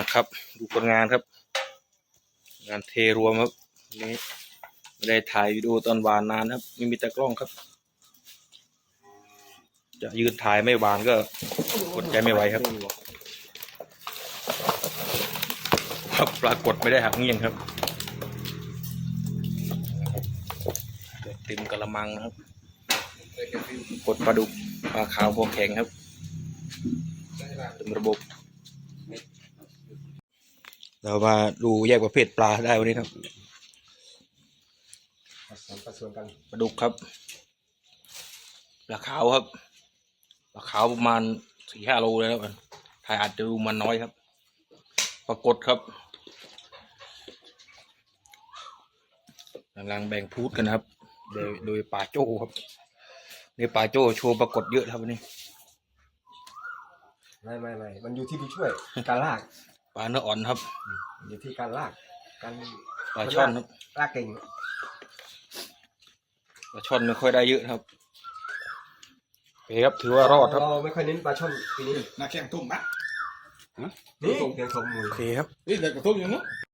ครับดูผลงานครับงานเทรวมครับวันนี้ไม่ได้ถ่ายวิดีโอตอนหวานนานครับไม่มีตากล้องครับจะยืนถ่ายไม่หวานก็กดใจไม่ไหวครับปรากฏไม่ได้หักเงี้ยงครับเต็มกระมังนะครับกดปลาดุกปลาขาวพวกแข็งครับเต็มระบบเรามาดูแยกประเภทปลาได้วันนี้ครับปลาดุกครับปลาขาวครับปลาขาวประมาณ4-5 โลเลยครับถ่ายอาจจะดูมันน้อยครับปรากฏครับกำลังแบ่งพูดกันครับโดยป่าโจ้ครับในป่าโจ้โชว์ปรากฏเยอะครับวันนี้ไม่มันอยู่ที่ผู้ช่วยการลากปลาเนื้ออ่อนครับอยู่ที่การลากการปลาช่อนครับลากเก่งปลาช่อนไม่ค่อยได้เยอะครับโอเคครับถือว่ารอดครับเราไม่ค่อยเน้นปลาช่อนปีนี้นักแข่งทุ่มปะนี่เพียงสมมูลโอเคครับนี่เด็กกระทุ่มอย่างนู้น